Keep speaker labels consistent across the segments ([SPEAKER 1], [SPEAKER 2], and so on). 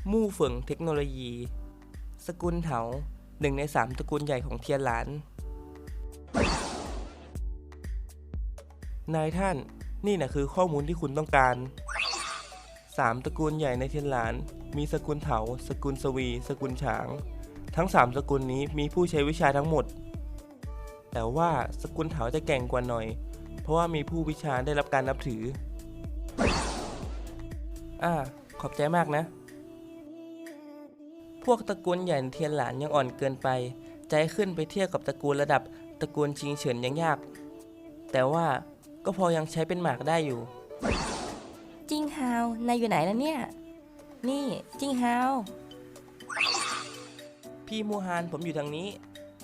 [SPEAKER 1] มู่เฝิงเทคโนโลยีสกุลเถาหนึ่งใน3ตระกูลใหญ่ของเทียนหลานนายท่านนี่นะคือข้อมูลที่คุณต้องการ3ตระกูลใหญ่ในเทียนหลานมีสกุลเถาสกุลสวีสกุลฉางทั้ง3สกุลนี้มีผู้ใช้วิชาทั้งหมดแต่ว่าสกุลเถาจะแกร่งกว่าหน่อยเพราะว่ามีผู้วิชาได้รับการนับถือขอบใจมากนะพวกตระกูลใหญ่ในเทียนหลานยังอ่อนเกินไปจะให้ขึ้นไปเทียบกับตระกูลระดับตระกูลชิงเฉินยังยากแต่ว่าก็พอยังใช้เป็นหมากได้อยู่
[SPEAKER 2] จิ้งฮาวนายอยู่ไหนแล้วเนี่ยนี่จิ้งฮาว
[SPEAKER 1] พี่มูฮานผมอยู่ทางนี้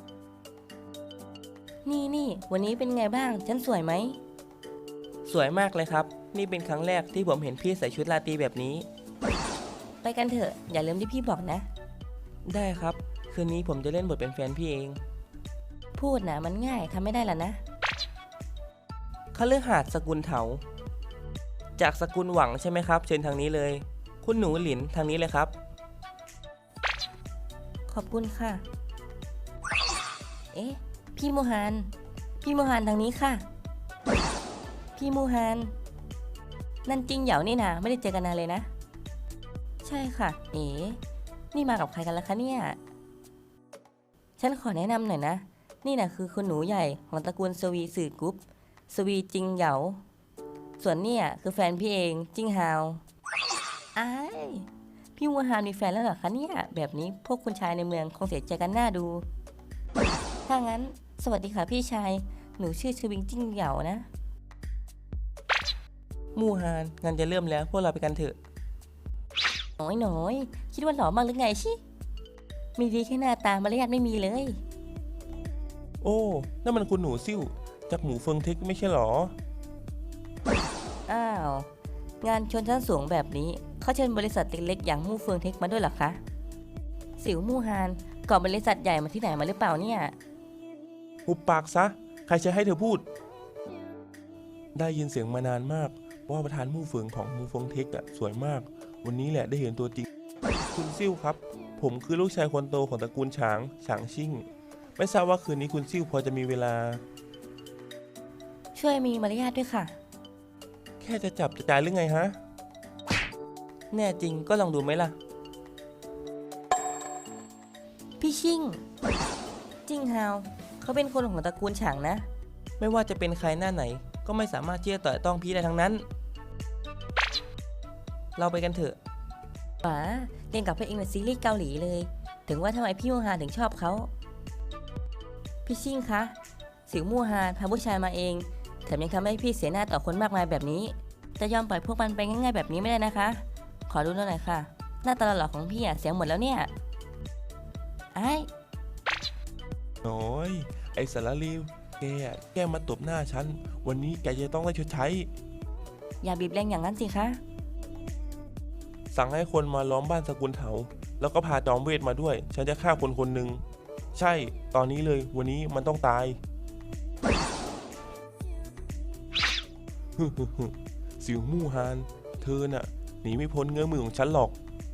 [SPEAKER 2] นี่วันนี้เป็นไงบ้างฉันสวยไหม
[SPEAKER 1] สวยมากเลยครับนี่เป็นครั้งแรกที่ผมเห็นพี่ใส่ชุดราตรีแบบนี้
[SPEAKER 2] ไปกันเถอะอย่าลืมที่พี่บอกนะ
[SPEAKER 1] ได้ครับคืนนี้ผมจะเล่นบทเป็นแฟนพี่เอง
[SPEAKER 2] พูดนะมันง่ายทำไม่ได้ล่ะนะ
[SPEAKER 1] คฤหาสน์สกุลเถาจากสกุลหวังใช่ไหมครับเชิญทางนี้เลยคุณหนูหลินทางนี้เลยครับ
[SPEAKER 2] ขอบคุณค่ะเอ๊ะพี่มูฮานทางนี้ค่ะพี่มูฮานนั่นจริงเหยานี่นะไม่ได้เจอกันนานเลยนะใช่ค่ะเอ๋นี่มากับใครกันล่ะคะเนี่ยฉันขอแนะนำหน่อยนะนี่นะคือคุณหนูใหญ่ของตระกูลสวีสื่อกรุ๊ปสวีจิงเหยาส่วนเนี่ยคือแฟนพี่เองจิงฮาวอ้ายพี่มูฮานมีแฟนแล้วเหรอคะเนี่ยแบบนี้พวกคุณชายในเมืองคงเสียใจกันหน้าดูถ้างั้นสวัสดีค่ะพี่ชายหนูชื่อชวิงจิงเหยานะ
[SPEAKER 1] มูฮานงานจะเริ่มแล้วพวกเราไปกันเถอะ
[SPEAKER 2] น้อยคิดว่าหล่อมากหรือไงชิมีดีแค่หน้าตามารยาทไม่มีเลย
[SPEAKER 1] โอ้นั่นมันคุณหนูซิ่วจากหมูเฟิงเทคไม่ใช่หรอ
[SPEAKER 2] อ้าวงานชนชั้นสูงแบบนี้เขาเชิญบริษัทเล็กๆอย่างมู่เฟิงเทคมาด้วยหรอคะสิวมู่ฮานก่อบริษัทใหญ่มาที่ไหนมาหรือเปล่าเนี่ย
[SPEAKER 1] หุบปากซะใครจะให้เธอพูดได้ยินเสียงมานานมากว่าประธานมู่เฟิงของมูเฟิงเทคสวยมากวันนี้แหละได้เห็นตัวจริงคุณซิ่วครับผมคือลูกชายคนโตของตระกูลฉางชิ่งไม่ทราบว่าคืนนี้คุณซิ่วพอจะมีเวลา
[SPEAKER 2] ช่วยมีมารยาทด้วยค่ะ
[SPEAKER 1] แค่จะจับจะจ่ายหรือไงฮะแน่จริงก็ลองดูไหมล่ะ
[SPEAKER 2] พี่ชิ่งจิงฮาวเขาเป็นคนของตระกูลฉางนะ
[SPEAKER 1] ไม่ว่าจะเป็นใครหน้าไหนก็ไม่สามารถที่จะต่อยต้องพี่ได้ทั้งนั้นเราไปกันเถอะ
[SPEAKER 2] ป๋าเล่นกับพระเอกในซีรีส์เกาหลีเลยถึงว่าทำไมพี่มูฮานถึงชอบเขาพี่ชิ่งคะสิวมูฮานพาผู้ชายมาเองแถมยังทำให้พี่เสียหน้าต่อคนมากมายแบบนี้จะยอมปล่อยพวกมันไปง่ายๆแบบนี้ไม่ได้นะคะขอดูหน่อยค่ะหน้าตาหล่อของพี่เสียงหมดแล้วเนี่ยไอ้
[SPEAKER 1] โอ้ยไอ้สารลีวแกมาตบหน้าฉันวันนี้แกจะต้องได้ชดใช้
[SPEAKER 2] อย่าบีบแรงอย่างนั้นสิคะ
[SPEAKER 1] สั่งให้คนมาล้อมบ้านสกุลเถาแล้วก็พาจอมเวทมาด้วยฉันจะฆ่าคนคนหนึ่งใช่ตอนนี้เลยวันนี้มันต้องตายสิวมู่ฮานเธอน่ะหนีไม่พ้นเงื้อมือของฉันหรอก